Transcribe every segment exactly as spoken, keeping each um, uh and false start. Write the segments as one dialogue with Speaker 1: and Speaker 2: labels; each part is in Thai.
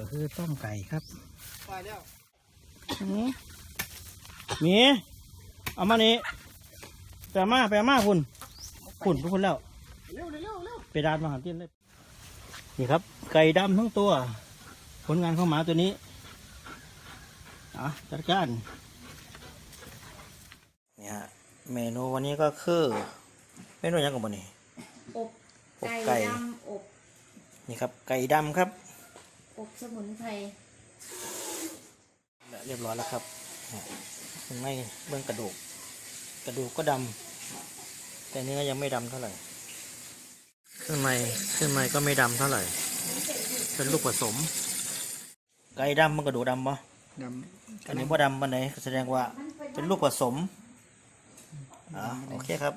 Speaker 1: คือต้มไก่ครับไปแล้ว
Speaker 2: มีเอามานี่ไปมาไปมาคุณคุณทุกคนแล้วไปดานมาหาที่เลยนี่ครับไก่ดำทั้งตัวผลงานของหมาตัวนี้อ่ะจัดการนี่ฮะเมนูวันนี้ก็คือเมนูยังกับวันนี้
Speaker 3: อบไก่ดำอบ
Speaker 2: นี่ครับไก่ดำครับ
Speaker 3: อบสมุนไพร
Speaker 2: เรียบร้อยแล้วครับข้างในเบื้องกระดูกกระดูกก็ดำแต่เนื้อยังไม่ดำเท่าไหร่เครื่องในเครื่องในก็ไม่ดำเท่าไหร่เป็นลูกผสมไก่ดำมันกระดูกดำปะ
Speaker 1: ดำ
Speaker 2: อันนี้ว่าดำมันไหนแสดงว่าเป็นลูกผสมอ่าโอเคครับ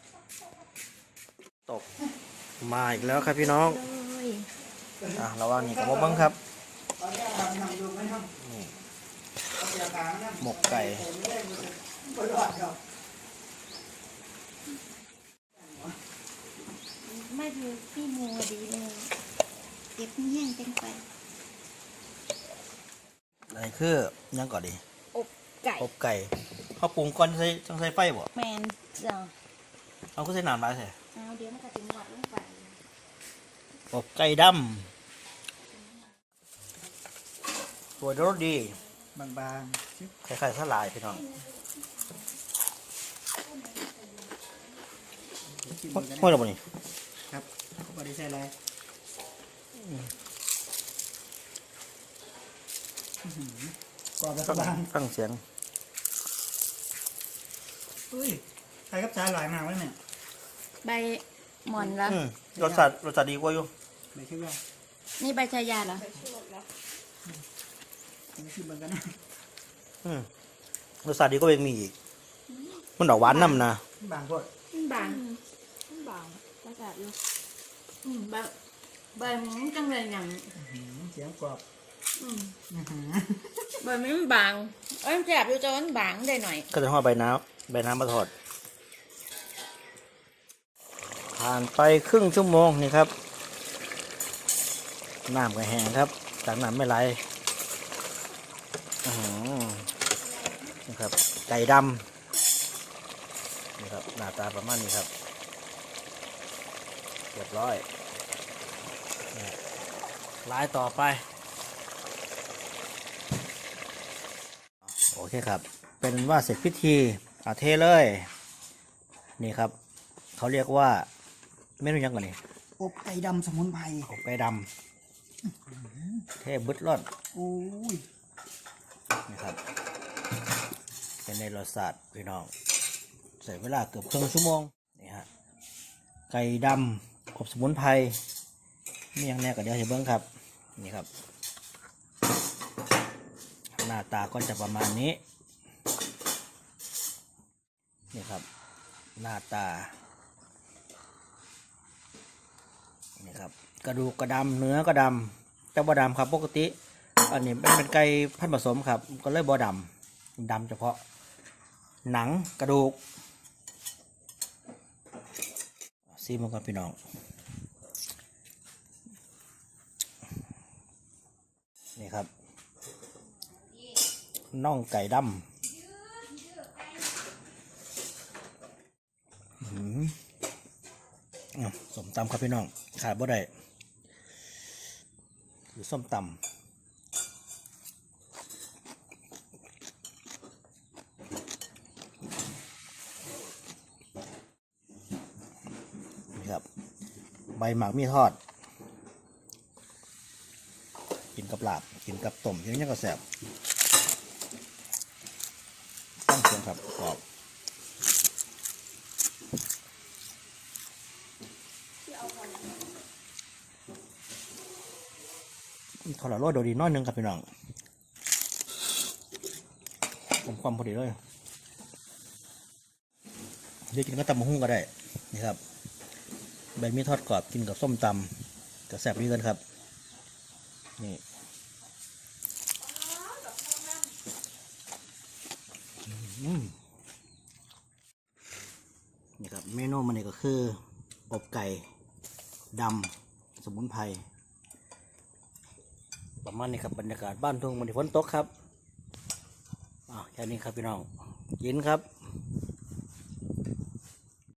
Speaker 2: ตกมาอีกแล้วครับพี่น้องอ่ะระวังนี่กับมะบังครับหมกไก่
Speaker 3: ไม่ดูพี่โมดีเลยเก็บแห้งเป็นไป
Speaker 2: อะไรคือยังก่อนดี
Speaker 3: อบไก่
Speaker 2: อบไก่เขาปรุงก่อนใส่ต้องใส่ไฟบ่
Speaker 3: แมนจ้ะ
Speaker 2: เอาก็ใส่น้ำมาใส่
Speaker 3: เอาเดี๋ยวมันจะถึงหวัดลงไป
Speaker 2: อบไก่ดำตัวรสดี
Speaker 1: บางๆ
Speaker 2: คล้ายๆสลายพี่น้องห้อยเราบ่นี่
Speaker 1: ครับเขาบอกได้ใส่อะไรกรอบแล้วก็บาง
Speaker 2: ฟังเสียง
Speaker 1: อุ้ยใครกับจ้าหลายมากเลยเนี่ย
Speaker 3: ใบหม่อนละ
Speaker 2: รสชาติรสชาติดีกว่าอยู่
Speaker 1: ไม่คิดว่า
Speaker 3: นี่ใบชายาเหรอ
Speaker 1: ไม่คิดเหมือนกันนะ
Speaker 2: รสชาติดีก็ยังมีอีกมันดอกหวานน้ำนะ
Speaker 1: บางพวก
Speaker 3: บางบางรสชาติอยู่ใบใบมันจังเลยอย่าง
Speaker 1: เสียงกรอบ
Speaker 3: ใบมันบางเอ้ยแสบอยู่จนบางได้หน่อย
Speaker 2: ก็จะห่อใบน้ำใบน้ำมาทอดผ่านไปครึ่งชั่วโมงนี่ครับน้ำก็แห้งครับจากน้ำไม่ไหลนี่ครับไก่ดำนี่ครับหน้าตาประมาณนี้ครับเรียบร้อยลายต่อไปโอเคครับเป็นว่าเสร็จพิธีเอาเทเลยนี่ครับเขาเรียกว่าเมนูยังก่อนนี่
Speaker 1: อบไก่ดำสมุนไพร
Speaker 2: อบไก่ดำเทบึดร้อน
Speaker 1: โอ้ย
Speaker 2: นี่ครับเป็นในรสชาติพี่น้องใส่เวลาเกือบครึ่งชั่วโมงนี่ฮะไก่ดำอบสมุนไพรนี่ยังแน่กับเดี๋ยวเห็นเบิ้งครับนี่ครับหน้าตาก็จะประมาณนี้นี่ครับหน้าตานี่ครับกระดูกกระดำเนื้อก็ดำแต่บ่ดำครับปกติอันนี้เป็นไก่พันธุ์ผสมครับก็เลยบ่ดำดำเฉพาะหนังกระดูกซีมันกับพี่น้องนี่ครับน่องไก่ดำส้มตำครับพี่น้องขาดบ่ได้คือส้มตำนี่ครับใบหมากมีทอดกินกับลาบกินกับต้มยังยังก็แซ่บต้องเสียงครับกรอบทอดละโลดโดดีน้อยนึงครับพี่น้องผมความพอดีเลยเดี๋ยวกินก็ตำมะฮุ่งก็ได้นี่ครับใบมีทอดกรอบกินกับส้มตำจะแซ่บดีกันครับนี่นี่ครับเมนูมันนี่ก็คืออบไก่ดำสมุนไพรประมาณนี้ครับบรรยากาศบ้านทุ่งมันฝนตกครับอ้าวแค่นี้ครับพี่น้องกินครับ